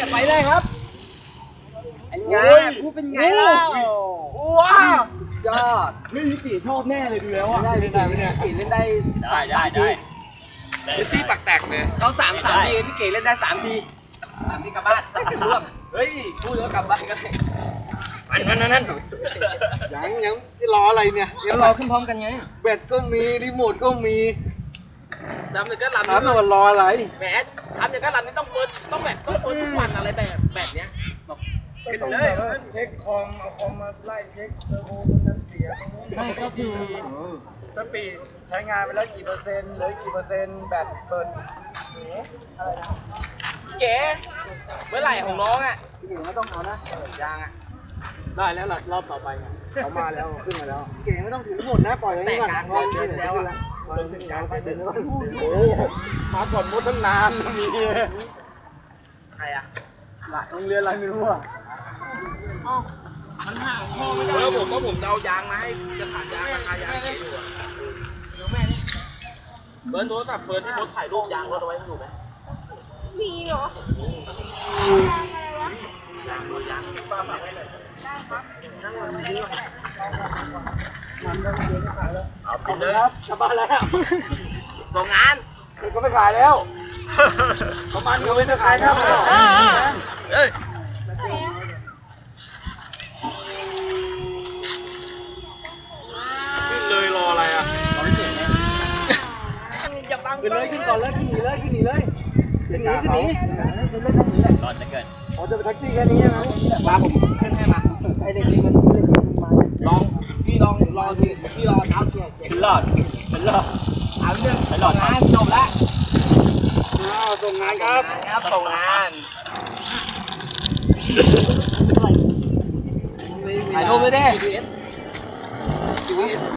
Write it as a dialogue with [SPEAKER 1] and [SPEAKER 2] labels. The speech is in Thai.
[SPEAKER 1] ไปเลยครับเป็นไงพูดเป็นไงล่ะว้าวยอดไม่มีกี่ชอบแน่เลยดูแล้วอ่ะได้เนี่ยกี่เล่นได้เป็นที่ปักแตกเลยเรา3 ทีพี่เก๋เล่นได้3 ทีกลับบ้านร่วมเฮ้ยพูดแล้วกลับบ้านก็ได้นั่นยังรออะไรเนี่ยยังรอขึ้นพร้อมกันไงแบตก็มีรีโมทก็มีทำอย่างก็ลำทำมันรออะไรแหมทำอย่างก็ลำนี่ต้องเปิดทุกวันอะไรแบบเนี้ยเป็นเลยเช็คคอมเอาคอมมาไล่เช็คเทอร์โบมันเสียใช่ก็คือสปีดใช้งานไปแล้วกี่เปอร์เซ็นต์เหลือกี่เปอร์เซ็นต์แบตเบิร์นอะไรนะเก๋เมื่อไหร่ของน้องอ่ะพี่เก๋ไม่ต้องเอานะยางอ่ะได้แล้วรอบต่อไปเขามาแล้วขึ้นมาแล้วเก๋ไม่ต้องถือหมดนะปล่อยไว้ก่อนรอเดินแล้วอ่ะโอ้มาก่อนมดตั้งนานมีใครอ่ะโรงเรียนอะไรไม่รู้อ่ะมันห่างพ่อไม่ได้ผมจะเอายางมาให้จะขาดยางราคายางอยู่อ่ะเบิร์นโทรศัพท์เฟิร์นที่รถถ่ายรูปยางรถเอาไว้อยู่ไหมมีเหรอยางป้าฝากไว้หน่อยได้ครับนั่งรอมาด้วยเอาไปเลยครับกลับบ้านแล้วส่งงานก็ไม่ขายแล้วประมาณก็ไม่ได้ขายครับเฮ้ยขึ้นเลยรออะไรอ่ะขึ้นเลยขึ้นก่อนเลยขึ้นหนีเลยขึ้นหนีตอนจะเกิดอ๋อจะไปแท็กซี่แค่นี้ใช่ไหมมาผมขึ้นให้มาไอเด็กนี่มันมาลองพี่รอทีพี่รอเท้าเชียร์เป็นหลอดเอาเรื่องเป็นหลอดงานจบแล้วส่งงานครับส่งงานถ่ายรูปไปดิ